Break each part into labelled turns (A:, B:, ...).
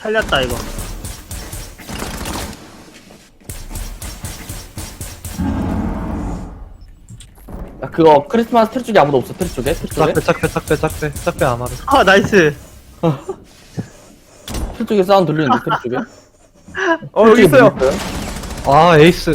A: 살렸다 이거.
B: 야, 그거 크리스마스 트리 쪽에 아무도 없어. 트리 쪽에? 트리 쪽에?
C: 짝배 아마르.
A: 아 나이스.
B: 트리 쪽에 사운드 들리는데 트리 쪽에?
D: 여기
B: 트리 쪽에
D: 있어요.
B: 뭐
C: 아 에이스.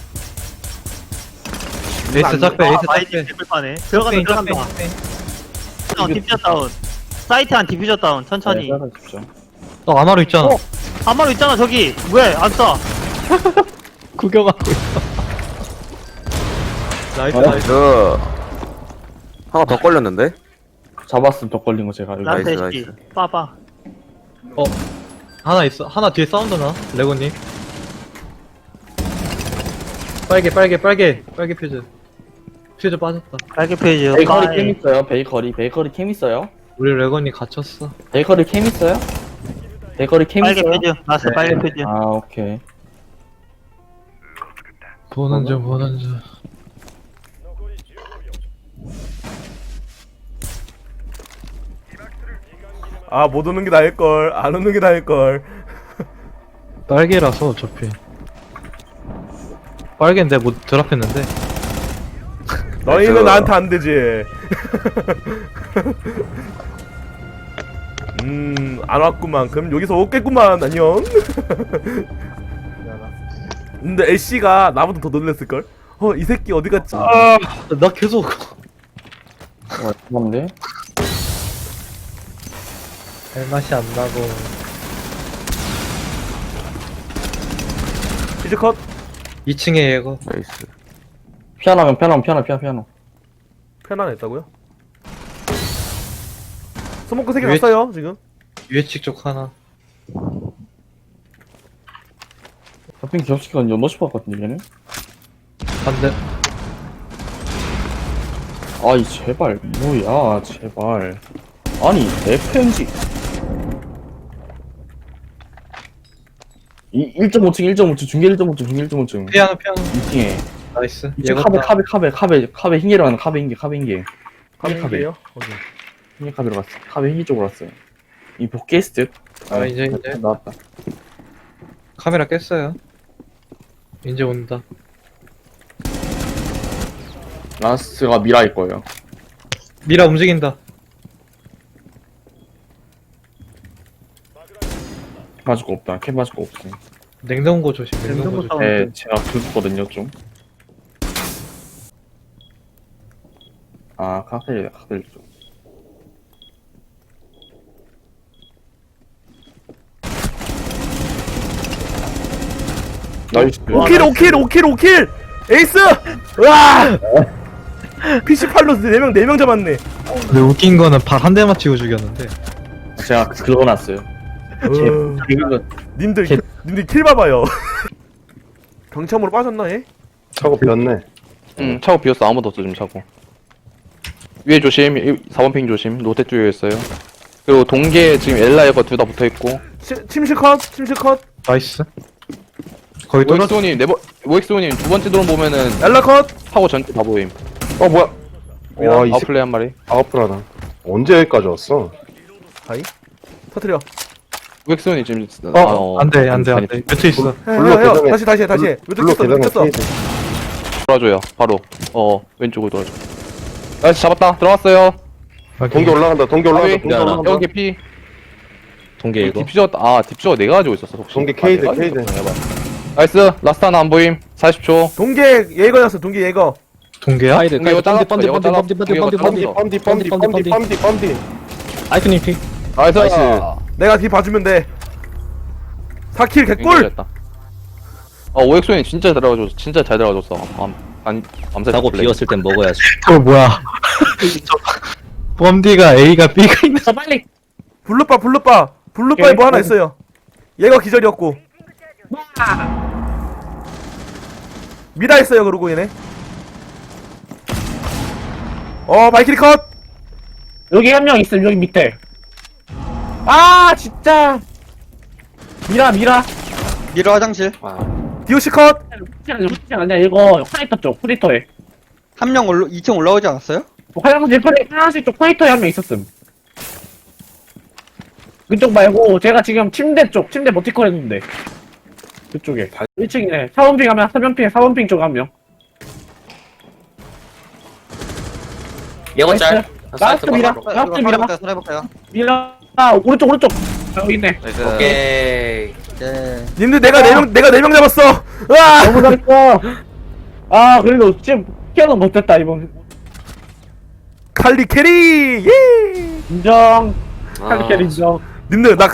C: 에이스 짝배 에이스
A: 마이디
C: 짝배.
A: 개꿀파네. 들어간다. 디퓨저 다운. 사이트 한 디퓨저 다운. 천천히.
B: 네, 따라주십시오.
C: 너 아마르 있잖아.
A: 한마리 있잖아 저기. 왜 안 쏴?
C: 구경하고 있어. 나이스
B: 어?
C: 나이스.
E: 하나 더 걸렸는데?
B: 잡았음 더 걸린 거 제가 여기.
A: 나한테
E: 나이스,
A: 시키.
E: 나이스.
A: 빠빠.
C: 하나 있어. 하나 뒤에 사운드 나. 레고님. 빨개 퓨즈. 퓨즈 빠졌다.
A: 빨개 페이지.
B: 베이커리 캠 있어요. 베이커리 캠 있어요.
C: 우리 레고님 갇혔어.
B: 베이커리 캠 있어요? 베이커리 캠
A: 빨개
B: 있어요?
A: 페이지. 나스
C: 네.
A: 빨개 페이지.
B: 아 오케이.
C: 보는 중.
D: 못 오는 게 나을걸. 안 오는 게 나을걸.
C: 빨개라서 어차피. 빨개인데 뭐 드랍했는데.
D: 너희는 나한테 안 되지. 안 왔구만. 그럼 여기서 오겠구만. 안녕. 근데 애쉬가 나보다 더 놀랬을걸? 이 새끼 어디 갔지?
C: 나 계속.
B: 뭔데?
C: 할 맛이 안 나고.
D: 이제 컷.
C: 2층에 얘가.
E: 나이스.
B: 피아노.
D: 편안했다고요? 스모크 3개
C: 왜-
D: 났어요 지금.
C: 유해측 쪽 하나.
B: 하필 기업시키가 연너시 봤거든요 얘는?
C: 반대.
B: 아이 제발 뭐야 제발. 아니 FMG 1.5층 중계 1.5층
C: 피아노.
B: 2층에
C: 나이스.
B: 2층 카베 흰개로 가는 카베 흰개
D: 카메라예요? 어디?
B: 흰개 카베로 갔어. 카베 흰개 쪽으로 갔어요. 이 복귀했을 듯?
C: 이제
B: 나왔다.
C: 카메라 깼어요. 이제 온다.
B: 라스가 미라일 거예요.
C: 미라 움직인다.
B: 맞을 거 없다. 캡 맞을 거 없어.
C: 냉동고 조심. 냉동고 조심.
B: 네, 제가 긁었거든요 좀. 아 카페 좀. 나이스.
D: 5킬! 에이스! 으아! PC8로 4명 잡았네.
C: 근데 웃긴 거는 발 한 대 맞추고 죽였는데.
B: 제가 긁어놨어요.
D: 님들
B: 개-
D: 님들 킬 봐봐요. 경참으로 빠졌나 얘?
F: 차고 비었네.
E: 응, 차고 비었어. 아무도 없어, 지금 차고. 위에 조심, 4번 핑 조심. 로테 쪽에 있어요. 그리고 동계 지금 엘라 에거 둘 다 붙어있고.
D: 침실 컷.
C: 나이스. 거의 또
E: 모엑스오님, 모엑스오님 두 번째 드론 보면은
D: 엘라 컷.
E: 차고 전체 다 보임.
F: 뭐야? 와, 이 새끼
E: 아웃플레이 한 마리.
F: 아웃플하다. 언제 여기까지 왔어?
D: 터트려.
E: 모엑스오님 지금.
C: 안돼. 뮤트 있어.
F: 블루
D: 해요.
F: 계단에-
D: 다시. 왜
F: 블루
D: 뜯겼어?
F: 계단에
D: 뜯겼어.
F: 케이드.
E: 돌아줘요, 바로. 왼쪽으로 돌아줘. 나이스, 잡았다. 들어갔어요.
F: 동기 올라간다. 동기 올라간다. 동기
E: 아,
F: 올라간다.
E: 여기 피.
B: 동계 이거.
E: 디퓨저 내가 가지고 있었어, 혹시.
F: 동계 케이드,
E: 내가 가지고
F: 케이드.
E: 있었구나, 해봐. 나이스, 라스트 하나 안 보임. 40초.
D: 동계 예거였어. 동계 예거.
C: 동계야?
E: 근데 이거 잘랐어. 이거 잘랐어. 이거 잘랐어.
F: 뻔디.
B: 아이크님 피.
E: 나이스.
D: 내가 뒤 봐주면 돼. 4킬 개꿀.
E: 잘했다. 오엑소님 진짜 잘 들어가줬어. 진짜 잘 들어가줬어. 밤새
G: 자고
E: 플레이.
G: 비었을 땐 먹어야지.
C: 뭐야? 뻔디가 A가 B가 있는.
B: 빨리.
D: 블루바에 뭐 하나 있어요. 얘가 기절이었고. 미라 있어요. 그러고 얘네. 마이킬이 컷.
B: 여기 한 명 있음 여기 밑에. 아 진짜. 미라.
H: 미러 화장실.
D: 디오시 컷.
B: 루팅 아니야 이거 화이터 쪽 프리터에.
H: 한 명 2층 올라오지 않았어요?
B: 화장실 쪽 화이터에 한 명 있었음. 그쪽 말고 제가 지금 침대 버티컬 했는데 그쪽에 1층이네. 4번핑 하면 3번핑 4번핑 쪽 한 명.
G: 예거 짤.
B: 라스트 미라. 라스트 미라.
H: 해볼까요?
B: 미라. 오른쪽. 여기 있네.
G: 오케이.
H: 네.
D: 님들 내가 4명 잡았어. 으아!
B: 너무 잘했어. 아 그래도 지금 피아노 못했다 이번.
D: 칼리 캐리. 예!
B: 인정.
G: 아.
B: 칼리캐리 인정.
D: 님들 나